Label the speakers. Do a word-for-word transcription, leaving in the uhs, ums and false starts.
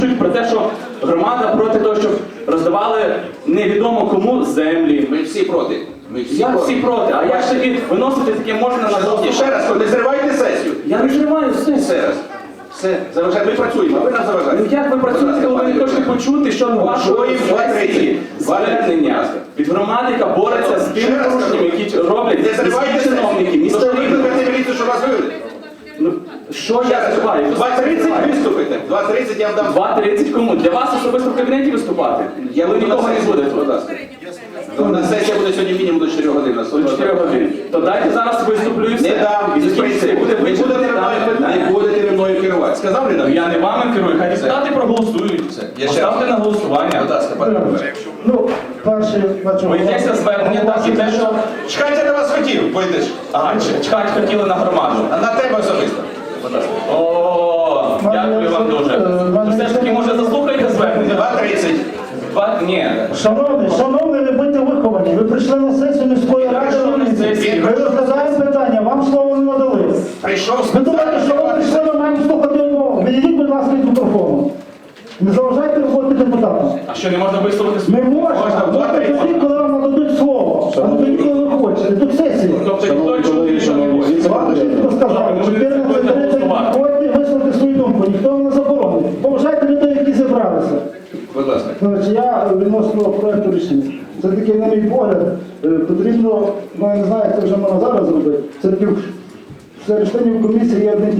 Speaker 1: Про те, що громада проти того, щоб роздавали невідомо кому землі.
Speaker 2: Ми всі проти. Ми всі
Speaker 1: Я
Speaker 2: проти.
Speaker 1: всі проти. А як ж таки виносити таке можна на
Speaker 2: Шановні,
Speaker 1: голосування?
Speaker 2: ще раз, не зривайте сесію.
Speaker 1: Я не зриваю все.
Speaker 2: Все раз. Все, заважайте. Ми працюємо, а ви нас
Speaker 1: Ну
Speaker 2: заважаєте.
Speaker 1: як ви працюєте, коли ви не хочете почути, що на вашої
Speaker 2: Почуємо,
Speaker 1: сесії звернення від громади, яка бореться з тими
Speaker 2: Ще раз
Speaker 1: порушеннями,
Speaker 2: кажу.
Speaker 1: які роблять
Speaker 2: Не зривайте
Speaker 1: міські чиновники,
Speaker 2: сесію. Ну що ви
Speaker 1: місцеві.
Speaker 2: викликати міліцію, щоб вас вивели?
Speaker 1: Ну, що я зриваю?
Speaker 2: два тридцять виступите. два тридцять я вам дам.
Speaker 1: два тридцять кому? Для вас особисто в кабінеті виступати?
Speaker 2: Я
Speaker 1: Ви
Speaker 2: буду
Speaker 1: нікого
Speaker 2: на
Speaker 1: не
Speaker 2: сесії,
Speaker 1: будете.
Speaker 2: будь ласка. У нас сесія буде сьогодні мінімум до чотирьох годин. на
Speaker 1: До чотирьох годин. То дайте зараз виступлю і все.
Speaker 2: Не дам,
Speaker 1: І
Speaker 2: із
Speaker 1: закінчиться, і
Speaker 2: принципу.
Speaker 1: буде
Speaker 2: Не будете
Speaker 1: вичерпане
Speaker 2: ви
Speaker 1: дане
Speaker 2: мною-
Speaker 1: питання.
Speaker 2: не будете ви мною керувати. Сказав не
Speaker 1: Ну,
Speaker 2: дам?
Speaker 1: я не вами керую, хай депутати проголосують.
Speaker 2: Все. Я ще
Speaker 1: Поставте
Speaker 2: раз.
Speaker 1: на голосування.
Speaker 2: Будь ласка, пане Володимире.
Speaker 3: Ну, перше, бачу.
Speaker 1: Бо йдеться звернення, так і те, що...
Speaker 2: Чекайте на вас хотів, пойдеш.
Speaker 1: Ага, ч- чекати хотіли на громаду.
Speaker 2: А на тебе особисто. Будь ласка.
Speaker 1: О, дякую вам дуже. Ну, все ж таки, може, заслухайте звернення?
Speaker 2: два тридцять.
Speaker 1: Два... Ні.
Speaker 3: Шановний, шановний, ви будьте виховані. Ви прийшли на сесію міської ради.
Speaker 1: Шановний, сесії.
Speaker 3: Ви розглядаємо питання, вам слово не надали.
Speaker 2: Прийшов
Speaker 3: Ви думаєте, що ви прийшли, ми маємо слухати умови. Відійдіть, будь ласка, від мікрофону. Не заважайте роботи депутатам.
Speaker 1: А що, не можна висловити свою?
Speaker 3: Не можна.
Speaker 2: Можна,
Speaker 3: Можете тоді, коли вам нададуть слово. А не тоді, коли ви хочете. Тут сесія.
Speaker 1: Тобто ніхто чути, що не може.
Speaker 3: Вам чітко сказали, чотирнадцять тридцять, ходьте, висловити свою думку. Ніхто вам не заборонить. Поважайте людей, які зібралися.
Speaker 2: Будь ласка.
Speaker 3: Значить, я відносно проєкту рішення. Все-таки, на мій погляд, е, потрібно, ну я не знаю, як це вже можна зараз зробити, все-таки в членів комісії є один